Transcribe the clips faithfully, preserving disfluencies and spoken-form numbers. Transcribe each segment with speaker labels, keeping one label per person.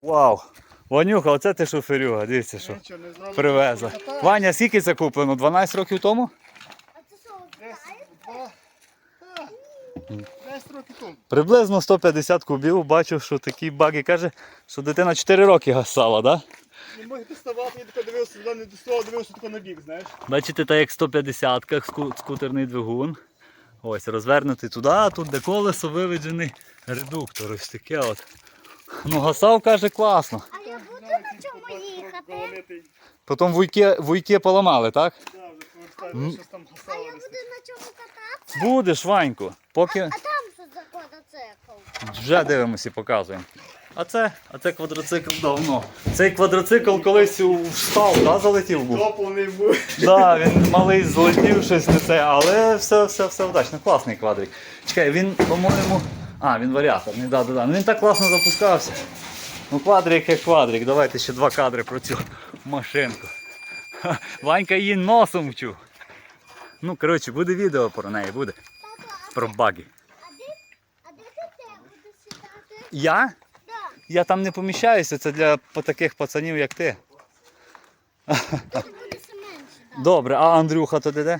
Speaker 1: Вау! Ванюха, оце ти шоферюга, дивіться, що привезла. Ваня, скільки це куплено? дванадцять років тому?
Speaker 2: А це що, ви
Speaker 3: десять років тому.
Speaker 1: Приблизно сто п'ятдесят кубів. Бачу, що такі баги каже, що дитина чотири роки гасала, так?
Speaker 3: Не можу доставати, я тако дивився, туди не доставав, дивився тако на бік, знаєш.
Speaker 1: Бачите, так як сто п'ятдесят скутерний двигун. Ось, розвернутий туди, а тут де колесо виведений редуктор. Ось таке от. Ну, гасав, каже, класно.
Speaker 2: А я буду на чому їхати?
Speaker 1: Потім вуйки, вуйки поламали, так?
Speaker 3: Так, вже повертаю, щось там
Speaker 2: А
Speaker 3: гасало.
Speaker 2: я буду на чому кататися?
Speaker 1: Будеш, Ваньку. Поки
Speaker 2: А там що за квадроцикл?
Speaker 1: вже дивимося і показуємо. А це, а це квадроцикл давно. Цей квадроцикл колись у став, да, залетів був?
Speaker 3: Топлений був.
Speaker 1: Да, він малий злетів щось не це, але все, все, все вдачно. Класний квадрик. Чекай, він, по-моєму... А, він варіаторний, да, да, да. Ну він так класно запускався. Ну квадрик як квадрик. Давайте ще два кадри про цю машинку. Ха, Ванька її носом вчув. Ну, коротше, буде відео про неї, буде. Про баги.
Speaker 2: А де, а де ти те будеш сідати?
Speaker 1: Я?
Speaker 2: Да.
Speaker 1: Я там не поміщаюся, це для таких пацанів, як ти.
Speaker 2: Тут буде все менше. Так.
Speaker 1: Добре, а Андрюха то де?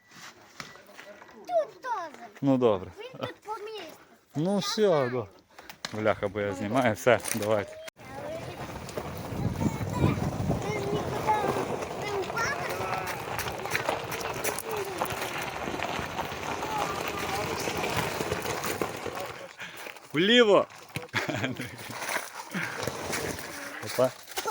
Speaker 2: Тут теж.
Speaker 1: Ну добре.
Speaker 2: Він тут помістить.
Speaker 1: Ну все, да. Бляха, бо я знімаю, все, давайте.
Speaker 2: Ти ж нікуди не впадеш?
Speaker 1: Вліво! Опа.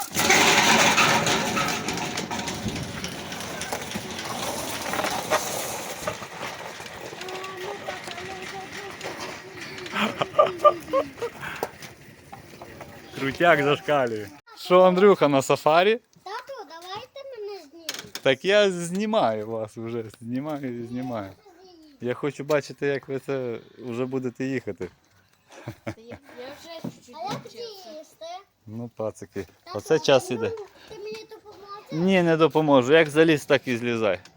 Speaker 1: Крутяк зашкалює. Що, Андрюха, на сафарі?
Speaker 2: Тату, давайте мене знімемо.
Speaker 1: Так я знімаю вас вже, знімаю і знімаю. Я хочу бачити, як ви це вже будете їхати.
Speaker 4: Я вже чуть-чуть
Speaker 2: А як
Speaker 4: навчився.
Speaker 2: їсти?
Speaker 1: Ну, пацики,
Speaker 2: Тату,
Speaker 1: оце час іде.
Speaker 2: Ти мені допоможеш?
Speaker 1: Ні, не допоможу. Як заліз, так і злізай.